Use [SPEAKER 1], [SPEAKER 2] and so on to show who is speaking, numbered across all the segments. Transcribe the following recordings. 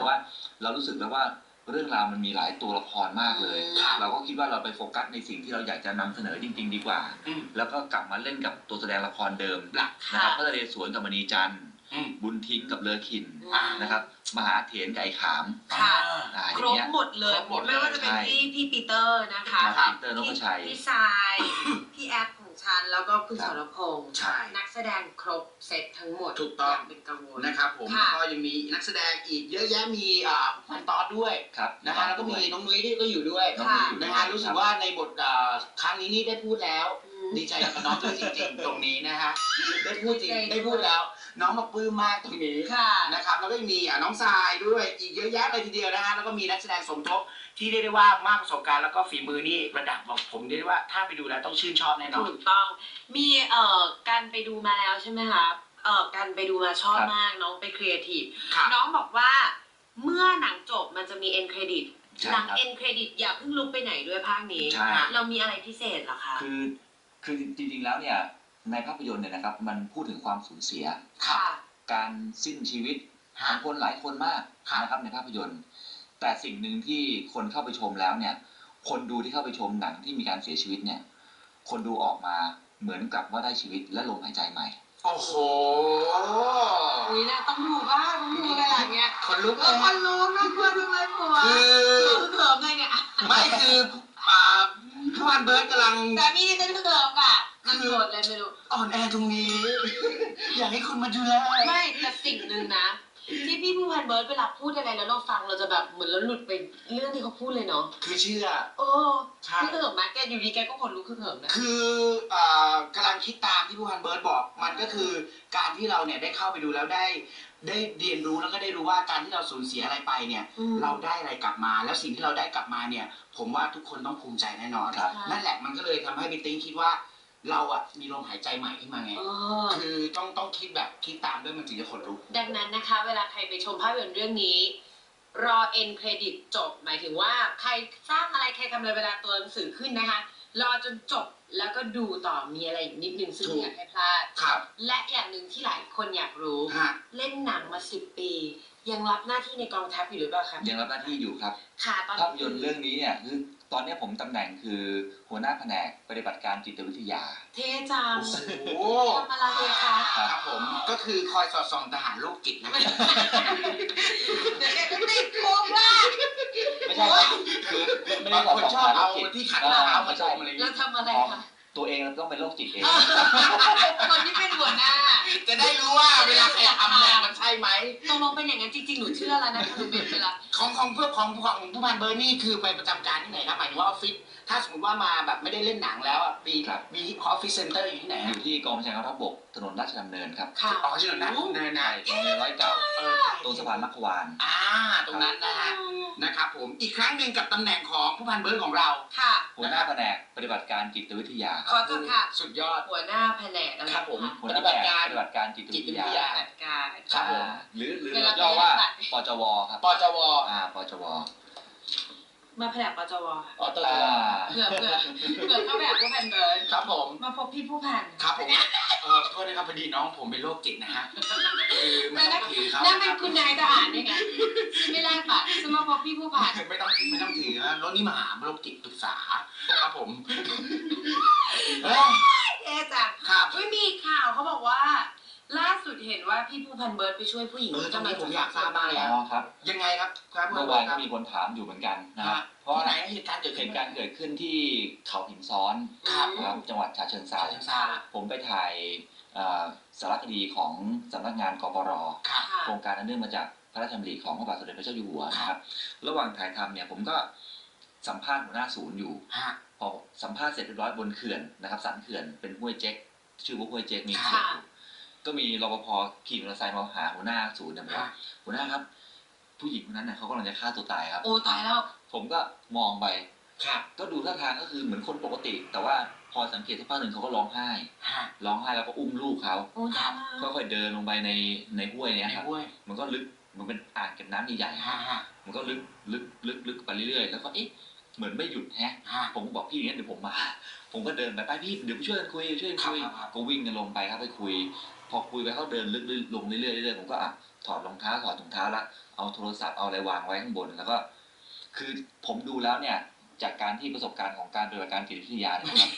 [SPEAKER 1] ราะว่าเรารู้สึกแล้วว่าเรื่องราวมันมีหลายตัวละครมากเลยเราก็คิดว่าเราไปโฟกัสในสิ่งที่เราอยากจะนำเสนอจริงๆดีกว่าแล้วก็กลับมาเล่นกับตัวแสดงละครเดิมนะครับพระนเรศวรกับมณีจันทร์บุญทิ้งกับเลอขินนะครับมหาเถรกับไอ้ขาม
[SPEAKER 2] ครบหมดเลยไม่ว่าจะเป็นพี่ปีเตอร์นะคะ
[SPEAKER 1] ปีเตอร์นพชัย
[SPEAKER 2] พี่ทรายพี่แอปของฉันแล้วก็คุณสรพงษ์นักแสดงครบเซตทั้งหมด
[SPEAKER 3] ถูกต้อง
[SPEAKER 2] เป็นกังวล
[SPEAKER 3] นะครับผมแล้วก็ยังมีนักแสดงอีกเยอะแยะมีพันตอดด้วยนะฮะแล้วก็มีน้องนุ้ยที่ก็อยู่ด้วยนะฮะรู้สึกว่าในบทครั้งนี้นี่ได้พูดแล้วดีใจกับน้องด้วยจริงๆตรงนี้นะฮะได้พูดจริงได้พูดแล้วน้องมาปลื้มมากตรงนี้นะครับแล้วก็มีน้องทรายด้วยอีกเยอะแยะเลยทีเดียวนะฮะแล้วก็มีนักแสดงสมทบที่เรียกได้ว่ามากประสบการณ์แล้วก็ฝีมือนี่ระดับบอกผมเรียกได้ว่าถ้าไปดูแล้วต้องชื่นชอบแน่นอน
[SPEAKER 2] ถูกต้องมีการไปดูมาแล้วใช่ไหมคะการไปดูมาชอบมากน้องไปครีเอทีฟน้องบอกว่าเมื่อหนังจบมันจะมีเอ็นเครดิตหลังเอ็นเครดิตอย่าเพิ่งลุกไปไหนด้วยภาคนี้เรามีอะไรพิเศษหรอคะ
[SPEAKER 1] คือจริงๆแล้วเนี่ยในภาพยนตร์เนี่ยนะครับมันพูดถึงความสูญเสียการสิ้นชีวิตของคนหลายคนมากนะครับในภาพยนตร์แต่สิ่งหนึ่งที่คนเข้าไปชมแล้วเนี่ยคนดูที่เข้าไปชมหนังที่มีการเสียชีวิตเนี่ยคนดูออกมาเหมือนกับว่าได้ชีวิตและลมหายใจใหม่
[SPEAKER 3] โอ้โห
[SPEAKER 2] นี่นะต้องดูบ้างต้องดูอะไรอย่างเงี้ย
[SPEAKER 3] คนลุกเลย
[SPEAKER 2] คนลุกน่ากลัวจังเลยผัวคือเขิมเลยเนี่ย
[SPEAKER 3] ไม่คือพี่วันเบิร์ดกำลัง
[SPEAKER 2] แต่มีนี่ฉันเขิมอ่ะมันโกรธเลยไม่รู้
[SPEAKER 3] อ่อนแอตรงนี้อยากให้คุณมาดูแล
[SPEAKER 2] ไม่แต่สิ่งหนึ่งนะที่พี่ผู้พันเบิร์ดเวลาพูดอะไรแล้วเราฟังเราจะแบบเหมือนเราหลุดไปเรื่องที่เขาพูดเลยเนาะ
[SPEAKER 3] คือเชื่อ
[SPEAKER 2] พี่เขิมนะแกอยู่ดีแกก็ขนลุกเขิมนะ
[SPEAKER 3] คือกำลังคิดตามที่ผู้พันเบิร์ดบอกมันก็คือการที่เราเนี่ยได้เข้าไปดูแล้วได้เรียนรู้แล้วก็ได้รู้ว่าการที่เราสูญเสียอะไรไปเนี่ยเราได้อะไรกลับมาแล้วสิ่งที่เราได้กลับมาเนี่ยผมว่าทุกคนต้องภูมิใจแน่นอนนั่นแหละมันก็เลยทำให้พี่ติ๊งคิดว่าเราอะมีลมหายใจใหม่ขึ้นมาไงคือต้องคิดแบบคิดตามด้วยมันถึงจะขนลุก
[SPEAKER 2] ดังนั้นนะคะเวลาใครไปชมภาพยนตร์เรื่องนี้รอเอ็นเครดิตจบหมายถึงว่าใครสร้างอะไรใครทำอะไรเวลาตัวหนังสือขึ้นนะคะรอจนจบแล้วก็ดูต่อมีอะไรอีกนิดนึงซึ่งอยากให้พลาดและอย่างหนึ่งที่หลายคนอยากรู้เล่นหนังมา10 ปียังรับหน้าที่ในกองทัพอยู่หรือเปล่าครับ
[SPEAKER 1] ยังรับหน้าที่อยู่ครับภาพยนตร์เรื่องนี้เนี่ยคือตอนนี้ผมตำแหน่งคือหัวหน้าแผนกปฏิบัติการจิตวิทยา
[SPEAKER 2] เท่จังทำอะไรคะ
[SPEAKER 3] ครับผมก็คือคอยสอดส่องทหารโรคจิตนะ
[SPEAKER 2] เดี๋ยวแกจะติดคุกว่า
[SPEAKER 1] ไม่ใช่คือไม่ได้คน
[SPEAKER 3] ชอบเอาที่ขัดหน้าเอามาชมอะไร
[SPEAKER 2] แล้วทำอะไรคะ
[SPEAKER 1] ตัวเองเราต้องเป็นโรคจิตเอง
[SPEAKER 2] คนที่เป็นหัวหน้า
[SPEAKER 3] จะได้รู้ว่าเวลาใครทำเนี่ยมันใช่ไหม
[SPEAKER 2] ตกลงเป็นอย่างนั้นจริงๆหนูเชื่อแล้วนะคุณเป็นเวลา
[SPEAKER 3] ของผู้พันเบอร์นี่คือไปประจำการที่ไหนครับหมายถึงว่าออฟฟิศถ้าสมมติว่ามาแบบไม่ได้เล่นหนังแล้วอ่ะมีออฟฟิศเซ็นเตอร์อยู่ที่ไหน
[SPEAKER 1] อยู่ที่กองบัญชาการทัพบกถนนราชดำเนินครับ
[SPEAKER 3] อ๋อถนนราชดำเนิน
[SPEAKER 1] ใช่โรงเรียนร้อยเก่าตรงสะพานมัคควาน
[SPEAKER 3] ตรงนั้นนะฮะนะครับผมอีกครั้งหนึ่งกับตำแหน่งของผู้พันเบิร์ดของเรา
[SPEAKER 1] หัวหน้าแผนกปฏิบัติการจิตวิทยา
[SPEAKER 2] ขอจดค่ะ
[SPEAKER 3] สุดยอด
[SPEAKER 2] หัวหน้าแผนกอะไร
[SPEAKER 3] ครับผม
[SPEAKER 1] หัวหน้าแผนกปฏิบัติการจิตวิทยาครับผมหรือเราย่อว่าปจวครับ
[SPEAKER 3] ปจว
[SPEAKER 1] ปจว
[SPEAKER 2] มาแผนกปจว
[SPEAKER 3] เผื่
[SPEAKER 2] อเข้าแบบผู้พันเบิร์ด
[SPEAKER 3] ครับผม
[SPEAKER 2] มาพบพี่ผู้พัน
[SPEAKER 3] ครับผมโทษนะครับพอดีน้องผมเป็นโรคจิตนะฮะไม่ต้องถือเขา
[SPEAKER 2] แล้วเป็นคุณนายทหารยังไงไม่แลกบัตรจะมาพบพี่ผู้พัน
[SPEAKER 3] ไม่ต้องถือนะรถนี่มาหาโรคจิตปรึกษาครับผม
[SPEAKER 2] จังไม่มีข่าวเขาบอกว่าล่าสุดเห็นว่าพี่ผู้พันเบิร์ดไปช่วยผู้หญิง
[SPEAKER 3] ตรงนี้ผมอยากทราบมากเลย
[SPEAKER 1] ครับ
[SPEAKER 3] ยังไงครับ
[SPEAKER 1] เมื่อวานก็มีคนถามอยู่เหมือนกันนะ
[SPEAKER 3] เพราะไหนเหตุการณ์เกิด
[SPEAKER 1] ขึ้นที่เขาหินซ้อนครับจังหวัดฉะเชิงเทราผมไปถ่ายสารคดีของสำนักงานกปร.โครงการอันเนื่องมาจากพระราชดำริของพระบาทสมเด็จพระเจ้าอยู่หัวนะครับระหว่างถ่ายทำเนี่ยผมก็สัมภาษณ์หัวหน้าศูนย์อยู่พอสัมภาษณ์เสร็จเรียบร้อยบนเขื่อนนะครับสันเขื่อนเป็นห้วยเจ๊กชื่อว่าห้วยเจ๊กมีเขื่อนก็มีรปภขี่มอเตอร์ไซค์มาหาหัวหน้าศูนย์เนี่ยบอกว่าหัวหน้าครับผู้หญิงคนนั้นเนี่ยเขากำลังจะฆ่าตัวตายครับ
[SPEAKER 2] โอ้ตายแล้ว
[SPEAKER 1] ผมก็มองไปก็ดูท่าทางก็คือเหมือนคนปกติแต่ว่าพอสังเกตสักพักหนึ่งเขาก็ร้องไห้แล้วก็อุ้มลูกเขาค่อยๆเดินลงไปในห้วยเนี่ยครับมันก็ลึกมันเป็นอ่างเก็บน้ำใหญ่ๆมันก็ลึกไปเรื่อยๆแล้วก็เอ๊ะเหมือนไม่หยุดแฮะผมก็บอกพี่อย่างนี้เดี๋ยวผมมาผมก็เดินไปพี่เดี๋ยวช่วยกันคุยก็วิ่งกันลงไปครับไปคุยพอคุยไปเขาเดินลึกลงเรื่อยๆผมก็โถอดรองเท้าถอดถุงเท้าแล้วเอาโทรศัพท์เอาอะไรวางไว้ข้างบนแล้วก็ คือผมดูแล้วเนี่ยจากการที่ประสบการณ์ของการปฏิบัติการจิตวิทยาเนี่ยนะครับ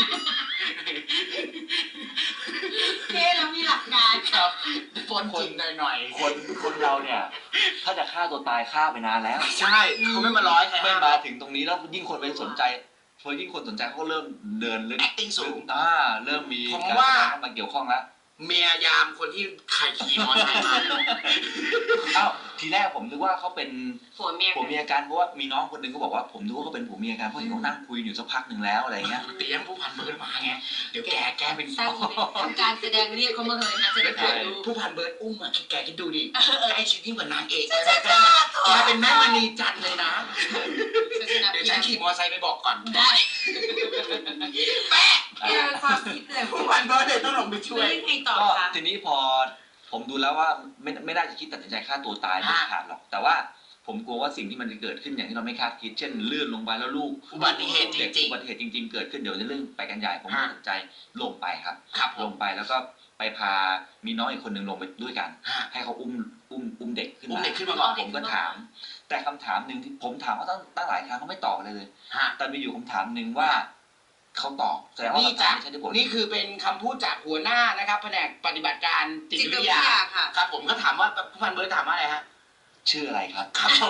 [SPEAKER 2] เท่แล้วมีหลักการ
[SPEAKER 3] ครับปนจริงหน่อย
[SPEAKER 1] คนเราเนี่ยถ้าจะฆ่าตัวตายฆ่าไปนานแล้ว
[SPEAKER 3] ใช่เขาไม่มาร้อยใคร
[SPEAKER 1] ไม่
[SPEAKER 3] ห้าม
[SPEAKER 1] มาถึงตรงนี้แล้วยิ่งคนไปสนใจพอยิ่งคนสนใจเขาก็เริ่มเดินลึก
[SPEAKER 3] acting สูง
[SPEAKER 1] เริ่มมี
[SPEAKER 3] ผม
[SPEAKER 1] การ
[SPEAKER 3] ว่า
[SPEAKER 1] แสดงเข้ามาเกี่ยวข้องแล้ว
[SPEAKER 3] เมียยามคนที่ใครขี่มอเตอร์ไซค์มา
[SPEAKER 1] อ้าวทีแรกผมนึกว่าเขาเป็น
[SPEAKER 2] ผัวเมีย
[SPEAKER 1] ผัวเมียกันเพราะว่ามีน้องคนหนึงก็บอกว่าผมนึกว่าเขาเป็นผัวเมียกันเพราะเห็นเขานั่งคุยอยู่สักพักหนึ่งแล้วอะไรเงี้ย
[SPEAKER 3] เตรียมผู้พันเบิร์ดมาไงเดี๋ยวแกเป็น
[SPEAKER 2] สร้างทำการแสดงเรียกเขามาเลยนะจะได้เปิดดู
[SPEAKER 3] ผู้พันเบิร์ดอุ้มอ่ะแกคิดดูดิใกล้ชิดยิ่งกว่านางเอกแกเป็นแม่มณีจันทร์เลยนะเดี๋ยวฉันขี่มอเตอร์ไซค์ไปบอกก่อน
[SPEAKER 2] ได้
[SPEAKER 3] แป๊ะ
[SPEAKER 2] เรื่องความคิดเลย
[SPEAKER 3] ผู้พันเบิร์ดเลยต้องลงไปช่วย
[SPEAKER 2] เรื่องไงต่อ
[SPEAKER 1] ก็
[SPEAKER 2] คะ
[SPEAKER 1] ทีนี้พอผมดูแล้วว่าไม่น่าจะคิดตัดสินใจฆ่าตัวตายไม่ขาดหรอกแต่ว่าผมกลัวว่าสิ่งที่มันจะเกิดขึ้นอย่างที่เราไม่คาดคิดเช่นลื่นลงไปแล้วลูก
[SPEAKER 3] อุบัติเหตุจริงๆ
[SPEAKER 1] อุบัติเหตุจริงๆเกิดขึ้นเดี๋ยวจะเรื่องไปกันใหญ่ผมตัดสินใจลงไปครับ
[SPEAKER 3] ครับผ
[SPEAKER 1] ล
[SPEAKER 3] ม
[SPEAKER 1] งไปแล้วก็ไปพามีน้องอีกคนหนึ่งลงไปด้วยกัน
[SPEAKER 3] ฮะ
[SPEAKER 1] ให้เขาอุ้มเด็กขึ้น
[SPEAKER 3] อุ้ม
[SPEAKER 1] มา
[SPEAKER 3] เด็กขึ้นมาก่อน
[SPEAKER 1] ผมก็ถาม แต่คำถามหนึ่งที่ผมถามว่าตั้งหลายครั้งเขาไม่ตอบเลย
[SPEAKER 3] ฮะ
[SPEAKER 1] แต่มีอยู่คำถามหนึ่งว่าเขาตอบแสดงว่า
[SPEAKER 3] นี่
[SPEAKER 1] คำถา
[SPEAKER 3] จ้ะ
[SPEAKER 1] มไม่ใช่ที่ผล
[SPEAKER 3] นี่คือเป็นคำพูดจากหัวหน้านะครับแผนกปฏิบัติการจิต
[SPEAKER 2] จิต
[SPEAKER 3] วิ
[SPEAKER 2] วิ
[SPEAKER 3] ท
[SPEAKER 2] ท
[SPEAKER 3] ยาย
[SPEAKER 2] าค่ะ
[SPEAKER 3] ครับผมก็ถามว่าผู้พันเบิร์ดถามว่าอะไรฮะ
[SPEAKER 1] ชื่ออะไรครับ
[SPEAKER 3] ครับผม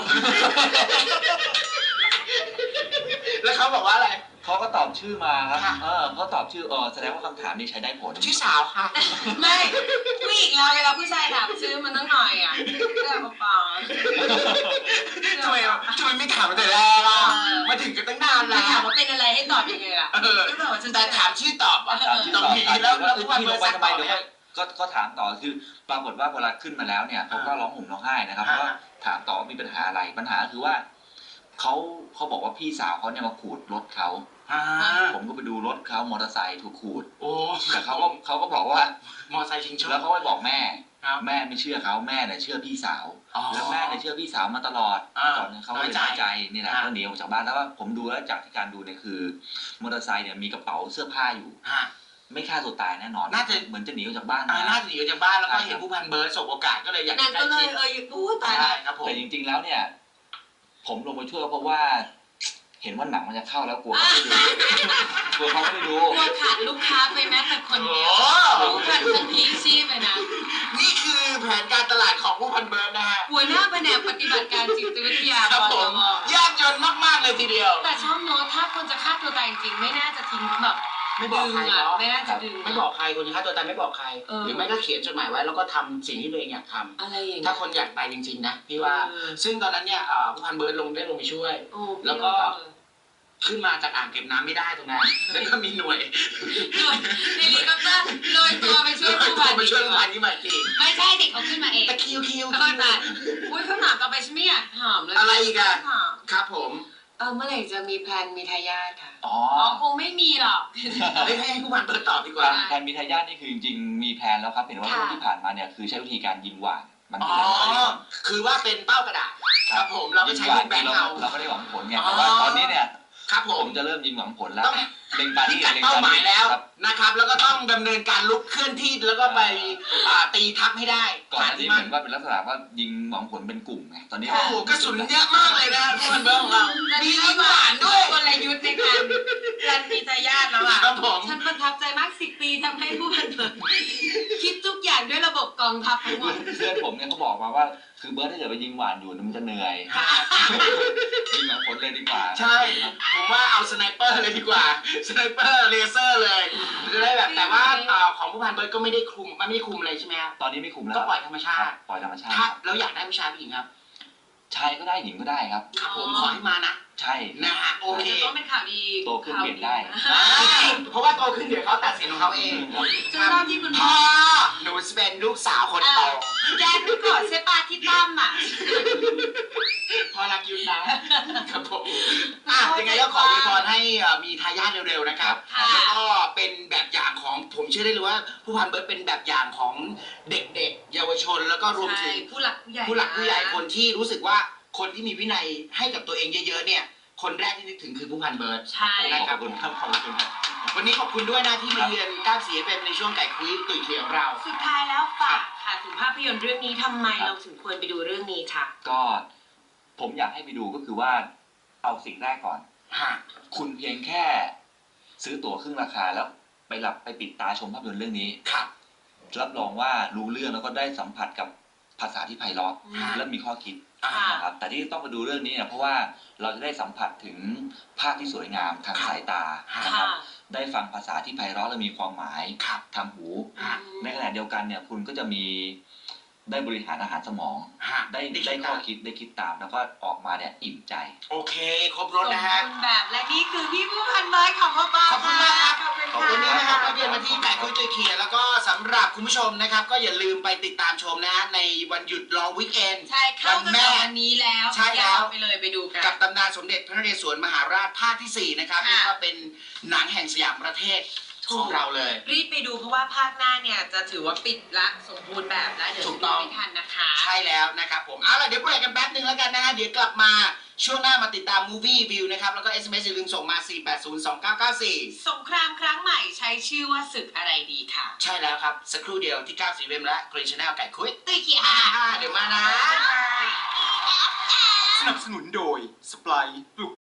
[SPEAKER 3] แล้วเขาบอกว่าอะไร
[SPEAKER 1] เขาก็ตอบชื่อมาครับ
[SPEAKER 3] ค่ะ
[SPEAKER 1] เขาตอบชื่อแสดงว่าคำถามนี้ใช้ได้ผล
[SPEAKER 3] ชื่อสาวค่ะ
[SPEAKER 2] ไม่ผู้หญิงเราเวลาผู้ชายถามชื่อมันต้องหน่อยอ่ะเรื่องเปล่า
[SPEAKER 3] ทำไมไม่ถามตั้งแต่แรกอ่ะมาถึงกันตั้งนาน
[SPEAKER 2] แล้
[SPEAKER 3] แล้ว ว
[SPEAKER 2] ถามว่าเป็นอะไรให้ตอบยังไงล่ะ
[SPEAKER 3] แต่ถามชื่อตอบอ่ะ
[SPEAKER 1] ถามชื่อ
[SPEAKER 3] ตรง
[SPEAKER 1] ตอบ
[SPEAKER 3] นี้
[SPEAKER 1] ถาม
[SPEAKER 3] แล้ว
[SPEAKER 1] ว่า
[SPEAKER 3] ผู้พัน
[SPEAKER 1] พี่
[SPEAKER 3] เบิ
[SPEAKER 1] ล
[SPEAKER 3] ร์
[SPEAKER 1] ง
[SPEAKER 3] ด
[SPEAKER 1] ไป
[SPEAKER 3] ซัก
[SPEAKER 1] ทำไม
[SPEAKER 3] ต่อ
[SPEAKER 1] เดี๋ยว
[SPEAKER 3] เนี่ย
[SPEAKER 1] ก็ถามต่อคือปรากฏว่าเวลาขึ้นมาแล้วเนี่ยเขาก็ร้องห่มร้องไห้นะครับเพราะว่าถามต่อว่ามีปัญหาอะไรปัญหาคือว่าเขาบอกว่าพี่สาวเขาเนี่ยมาขูดรถเขา
[SPEAKER 3] อ่า
[SPEAKER 1] ผมก็ไปดูรถเขามอเตอร์ไซค์ถูกขูด
[SPEAKER 3] โอ้
[SPEAKER 1] แต่เขาก็บอกว่า
[SPEAKER 3] มอไซค์ชิงโชค
[SPEAKER 1] แล้วเขาไปบอกแม่
[SPEAKER 3] ครับ
[SPEAKER 1] แม่ไม่เชื่อเขาแม่เนี่ยเชื่อพี่สาว
[SPEAKER 3] อ๋อ
[SPEAKER 1] แล้วแม่เนี่ยเชื่อพี่สาวมาตลอด
[SPEAKER 3] อ่า
[SPEAKER 1] ก่อนเนี่ยเขาก็เลย
[SPEAKER 3] น้
[SPEAKER 1] น้
[SPEAKER 3] อ
[SPEAKER 1] อย ย
[SPEAKER 3] ใจ
[SPEAKER 1] ใจนี่แหละ
[SPEAKER 3] อ่า
[SPEAKER 1] ก็หนีออกจากบ้านแล้วก็ผมดูแล้วจากที่การดูเนี่ยคือมอเตอร์ไซค์เนี่ยมีกระเป๋าเสื้อผ้าอยู่
[SPEAKER 3] ฮะ
[SPEAKER 1] ไม่ฆ่าตัวตายแน่นอน
[SPEAKER 3] น่าจะ
[SPEAKER 1] เหมือนจะหนีออกจากบ้าน
[SPEAKER 3] น่าจะหนีออกจากบ้านแล้วก็
[SPEAKER 1] ใช่ครับ
[SPEAKER 3] เห็นผู้พันเบิร์ดสบโอกาสก็เลยอยาก
[SPEAKER 2] นั่น
[SPEAKER 3] ใกล้
[SPEAKER 2] ก็เล
[SPEAKER 3] ชิ
[SPEAKER 2] ย
[SPEAKER 3] ด
[SPEAKER 2] พูดตาย
[SPEAKER 3] ใช่ครับผม
[SPEAKER 1] แต่จริงๆแล้วเนี่ย ผมลงไปช่วยเพราะว่า เห็นว่าหนังมันจะเข้าแล้วกลัวเขาไม่ดูกลัวเขาไม่ได้ดู
[SPEAKER 2] กลัวขาดลูกค้าไปแม้แต่คนเดียว
[SPEAKER 3] โอ้
[SPEAKER 2] ผู้พันทั้งพีชีพเลยนะ
[SPEAKER 3] นี่คือแผนการตลาดของผู้พันเบิร์ดนะฮะ
[SPEAKER 2] หัวหน้าแผนกปฏิบัติการจิตวิทยา
[SPEAKER 3] ครับ
[SPEAKER 2] ป
[SPEAKER 3] ผ
[SPEAKER 2] ต
[SPEAKER 3] ม
[SPEAKER 2] ม
[SPEAKER 3] ยากจนมากๆเลยทีเดียว
[SPEAKER 2] แต่ชอบโน้ตถ้าคนจะฆ่าตัวตายจริงๆไม่น่าจะทิ้งแบบ
[SPEAKER 3] ไม่บอกใคร
[SPEAKER 2] ดึงอ่ะ
[SPEAKER 3] เนาะ
[SPEAKER 2] ไม่น่าจะดึง
[SPEAKER 3] ไม่บอกใครคนที่ฆ่าตัวตายไม่บอกใคร
[SPEAKER 2] เออ
[SPEAKER 3] หรือไม่ก็เขียนจดหมายไว้แล้วก็ทำสิ่งที่ตัวเองอยากทำ
[SPEAKER 2] อะไรอย่าง
[SPEAKER 3] ถ้า
[SPEAKER 2] เงี้ย
[SPEAKER 3] คนอยากตายจริงๆนะพี่ว่า ซึ่งตอนนั้นเนี่ยผู้พันเบิร์ดได้ลงไปช่วย
[SPEAKER 2] โอ้
[SPEAKER 3] แล้วก็ ขึ้นมาจากอ่างเก็บน้ำไม่ได้ตรงนั้น แล้วก็มีหน่วย
[SPEAKER 2] หน่วยเฮลิคอปเตอร์โรยตัวไปช่วยผู้พัน
[SPEAKER 3] ไปช่วยผู้พันที่มาจริง
[SPEAKER 2] ไม่ใช่เด็กเขาขึ้นมาเอง
[SPEAKER 3] ตะคิวคิว
[SPEAKER 2] ก็แต่อุ้ยเขาถามต่อไปฉันไม่อยากถามเลย
[SPEAKER 3] อะไรอีกอะ
[SPEAKER 2] ถาม
[SPEAKER 3] ครับผม
[SPEAKER 2] เมื่อไหร่จะมีแพลนมีทายาทค่ะ
[SPEAKER 1] อ๋อ
[SPEAKER 2] คงไม่มีหรอก
[SPEAKER 3] ให้ผู้พันเบิร์ดตอบดีกว่า
[SPEAKER 1] แผนมีทายาทนี่คือจริงๆมีแผนแล้วครับเห็นว่า
[SPEAKER 2] ค่ะ
[SPEAKER 1] ช่วงที่ผ่านมาเนี่ยคือใช้วิธีการยิงหว่านมัน
[SPEAKER 3] อ๋
[SPEAKER 1] คืออะไร
[SPEAKER 3] อ คือว่าเป็นเป้ากระดาษ ครับผมเราก็ใช้ลูกแบงค์เอา
[SPEAKER 1] เราไม่ได้หวังผลไง
[SPEAKER 3] อ๋อ
[SPEAKER 1] แต่ว่าตอนนี้เนี่ย
[SPEAKER 3] ครับผ
[SPEAKER 1] ผม มจะเริ่มยิงหวังผลแล้ว
[SPEAKER 3] ต้อง
[SPEAKER 1] เล็งปา
[SPEAKER 3] พิ
[SPEAKER 1] นี่
[SPEAKER 3] กัด
[SPEAKER 1] เล็ง
[SPEAKER 3] เป้า
[SPEAKER 1] ปา
[SPEAKER 3] หมาย
[SPEAKER 1] นี่
[SPEAKER 3] แล้ว
[SPEAKER 1] ครับ
[SPEAKER 3] นะครับ แล้วก็ต้องดำเนินการลุกเคลื่อนที่แล้วก็ไปตีทับให้ได้
[SPEAKER 1] ก่อนหน้านี้เหมือนว่าเป็นลักษณะว่ายิงหวังผลเป็นกลุ่มไงตอนนี้
[SPEAKER 3] โอ้โหกระสุนเยอะมากเลยนะผู้พันเบิร์ดของเรา มียิงหวานด้วย
[SPEAKER 2] กลยุทธ์ในการแพลนมีทายาทแล้วอ่ะ
[SPEAKER 3] ครับผม
[SPEAKER 2] ฉันประทับใจมาก10 ปีทำให้ผู้พันเบิร์ดคิดทุกอย่างด้วยระบบกองทัพทั้งหมด
[SPEAKER 1] เพื่อนผมเนี่ยเขาบอกมาว่าคือเบิร์ดถ้าเกิดไปยิงหวานอยู่มันจะเหนื่อยยิงหวังผลเลยดีกว่า
[SPEAKER 3] ใช่ ผมว่าเอาสไนเปอร์เลยดีกว่า สไนเปอร์เลเซอร์เลยจะได้แบบแต่ว่าของผู้พันเบิร์ดก็ไม่ได้คุมมันไม่ได้คุมเลยใช่ไหมครับ
[SPEAKER 1] ตอนนี้ไม่คุมแล้ว
[SPEAKER 3] ก็ปล่อยธรรมชา
[SPEAKER 1] ครับ
[SPEAKER 3] ติ
[SPEAKER 1] ปล่อยธรรมชาติ
[SPEAKER 3] ถ้าเราอยากได้ผู้ชายผู้หญิงครับ
[SPEAKER 1] ชายก็ได้หญิงก็ได้ครับ
[SPEAKER 3] ครับผมขอให้มานะ
[SPEAKER 1] ใช่
[SPEAKER 3] นะฮะโอเค
[SPEAKER 2] ต้องเป็นข่าวดี
[SPEAKER 1] โตขึ้นเปลี่ยนได้
[SPEAKER 3] เพราะว่าโตขึ้นเดี๋ยวเขาตัดสินของเขาเอง
[SPEAKER 2] จนรอบที่คุณ
[SPEAKER 3] พ่
[SPEAKER 2] พ่
[SPEAKER 3] อ
[SPEAKER 2] อ
[SPEAKER 3] หนูจะเป็นลูกสาวคนโต
[SPEAKER 2] แกนึกก่อนใช่ปะที่ตั้มอ่ะ
[SPEAKER 3] พ่อรักยุทธนะครับผมยังไงก็ขออวยพรให้มีทายาทเร็วๆนะครับ
[SPEAKER 2] ค่ะ
[SPEAKER 3] แล้วก็เป็นแบบอย่างของผมเชื่อได้เลยว่าผู้พันเบิร์ดเป็นแบบอย่างของเด็กๆ เยาวชนแล้วก็รวมถึ
[SPEAKER 2] ใช่
[SPEAKER 3] ง
[SPEAKER 2] ผู้หลักผู้ใหญ่
[SPEAKER 3] ผู้หลักผู้ใหญ่คนที่รู้สึกว่าคนที่มีวินัยให้กับตัวเองเยอะๆเนี่ย คนแรกที่นึกถึงคือผู้พันเบิร์ด
[SPEAKER 2] ใช่
[SPEAKER 1] ขอบคุณครับขอบคุณครับ
[SPEAKER 3] วันนี้ขอบคุณด้วยนะที่มาเยือนก้าวเสียเป็นในช่วงไก่คุยตุ๋ยเขียวเรา
[SPEAKER 2] สุดท้ายแล้วฝากคค่ะถึงภาพยนตร์เรื่องนี้ทำไมเราถึงควรไปดูเรื่องนี้ค่ะ
[SPEAKER 1] ก็ผมอยากให้ไปดูก็คือว่าเอาสิ่งแรกก่อนคุณเพียงแค่ซื้อตั๋วครึ่งราคาแล้วไปปิดตาชมภาพยนตร์เรื่องนี้รับรองว่ารู้เรื่องแล้วก็ได้สัมผัสกับภาษาที่ไพเราะและมีข้อคิดนะครับแต่ที่ต้องไปดูเรื่องนี้เนี่ยเพราะว่าเราจะได้สัมผัสถึงภาพที่สวยงามทางสายตานะครับได้ฟังภาษาที่ไพเราะและมีความหมายทางหูในขณะเดียวกันเนี่ยคุณก็จะมีได้บริหารอาหารสมองได้ข้อคิดได้คิดตามแล้วก็ออกมาเนี่ยอิ่มใจ
[SPEAKER 3] โอเคครบรถนะฮะ
[SPEAKER 2] แบบและนี่คือพี่ผู้พันไม้ของพ่อป้า
[SPEAKER 3] ขอบคุณมากครับขอบคุณนะครับมาเรียนมาที่แปะคุยตัวเขียนแล้วก็สำหรับคุณผู้ชมนะครับก็อย่าลืมไปติดตามชมนะฮะในวันหยุดลองวีคเอนด์
[SPEAKER 2] ใช่เข้ากันวันนี้แล้ว
[SPEAKER 3] ใช่แล้ว
[SPEAKER 2] ไปเลยไปดูกัน
[SPEAKER 3] กับตำนานสมเด็จพระนเรศวรมหาราชภาคที่4นะครับนี่ก็เป็นหนังแห่งสยามประเทศของเราเลย
[SPEAKER 2] รีบไปดูเพราะว่าภาคหน้าเนี่ยจะถือว่าปิดละสมบูรณ์แบบแล้วเดี๋ยวจะไม่ทันนะคะ
[SPEAKER 3] ใช่แล้วนะครับผมเอาล่ะเดี๋ยวเบรกกันแป๊บนึงแล้วกันนะฮะเดี๋ยวกลับมาช่วงหน้ามาติดตาม Movie View นะครับแล้วก็ SMS อย่าลืมส่งมา4802994
[SPEAKER 2] สงครามครั้งใหม่ใช้ชื่อว่าศึกอะไรดีค่ะ
[SPEAKER 3] ใช่แล้วครับสักครู่เดียวที่94 FM และ Green Channel ไก่คุย
[SPEAKER 2] ตุ้ยเขีย
[SPEAKER 3] เดี๋ยวมานะ